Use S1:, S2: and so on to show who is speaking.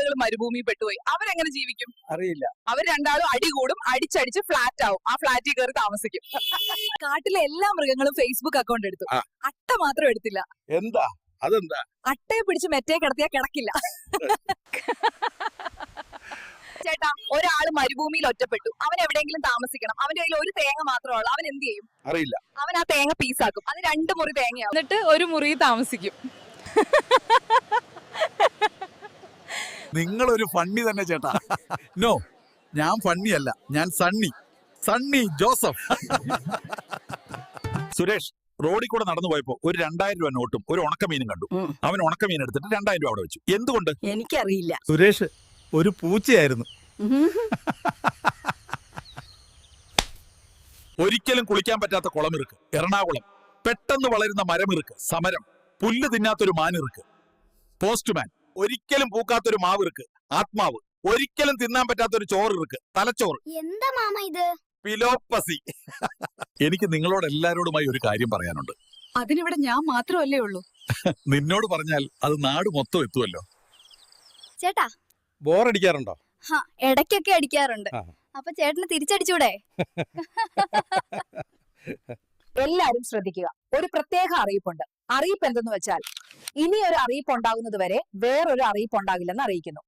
S1: രണ്ടാളുകൾ മരുഭൂമി പെട്ടുപോയി. അവരെങ്ങനെ ജീവിക്കും?
S2: അറിയില്ല.
S1: അവർ രണ്ടാളും അടികൂടും, അടിച്ചടിച്ച് ഫ്ലാറ്റ് ആവും. ആ ഫ്ലാറ്റിൽ കയറി താമസിക്കും. കാട്ടിലെ എല്ലാ മൃഗങ്ങളും ഫേസ്ബുക്ക് അക്കൗണ്ട് എടുത്തു, അട്ട മാത്രം എടുത്തില്ല.
S2: എന്താ? അതെന്താ?
S1: അട്ടയെ പിടിച്ച് മെറ്റേ കിടത്തിയാ കിടക്കില്ല. ചേട്ടാ, ഒരാള് മരുഭൂമിയിൽ ഒറ്റപ്പെട്ടു. അവൻ എവിടെയെങ്കിലും താമസിക്കണം. അവന്റെ കയ്യിൽ ഒരു തേങ്ങ മാത്രമേ ഉള്ളൂ. അവൻ എന്ത് ചെയ്യും?
S2: അറിയില്ല.
S1: അവൻ ആ തേങ്ങ പീസാക്കും. അത് 2 മുറി തേങ്ങയാവും.
S3: എന്നിട്ട് ഒരു മുറി താമസിക്കും.
S2: നിങ്ങളൊരു ഫണ്ണി തന്നെ ചേട്ടാ. നോ, ഞാൻ ഫണ്ണി അല്ല, ഞാൻ സണ്ണി ജോസഫ്. സുരേഷ് റോഡിൽ കൂടെ നടന്നു പോയപ്പോ ഒരു 2000 രൂപ നോട്ടും ഒരു ഉണക്കമീനും കണ്ടു. അവൻ ഉണക്കമീൻ എടുത്തിട്ട് 2000 രൂപ അവിടെ വെച്ചു. എന്തുകൊണ്ട്?
S4: എനിക്കറിയില്ല.
S5: സുരേഷ് ഒരു പൂച്ചയായിരുന്നു.
S2: ഒരിക്കലും കുളിക്കാൻ പറ്റാത്ത കുളമിറുക്ക് എറണാകുളം. പെട്ടെന്ന് വളരുന്ന മരമിറുക്ക് സമരം. പുല്ല് തിന്നാത്തൊരു മാനിറുക്ക് പോസ്റ്റ്മാൻ. ഒരിക്കലും പൂക്കാത്തൊരു മാവിറുക്ക് ആത്മാവ്. ഒരിക്കലും തിന്നാൻ പറ്റാത്തൊരു ചോറിറുക്ക് തലച്ചോറ്.
S4: എന്താ മാമ ഇത്?
S2: പിലോപ്പസി. എനിക്ക് നിങ്ങളോട് എല്ലാരോടുമായി ഒരു കാര്യം പറയാനുണ്ട്.
S1: അതിനിവിടെ ഞാൻ മാത്രമല്ലേ ഉള്ളൂ.
S2: നിന്നോട് പറഞ്ഞാൽ അത് നാട് മൊത്തം എത്തുമല്ലോ.
S4: ചേട്ടാ,
S5: ബോറടിക്കാറുണ്ടോ?
S4: ഇടയ്ക്കൊക്കെ അടിക്കാറുണ്ട്. അപ്പൊ ചേട്ടന് തിരിച്ചടിച്ചൂടെ?
S1: എല്ലാരും ശ്രദ്ധിക്കുക, ഒരു പ്രത്യേക അറിയിപ്പുണ്ട്. അറിയിപ്പ് എന്തെന്ന് വെച്ചാൽ, ഇനി ഒരു അറിയിപ്പ് ഉണ്ടാകുന്നത് വരെ വേറൊരു അറിയിപ്പ് ഉണ്ടാകില്ലെന്ന് അറിയിക്കുന്നു.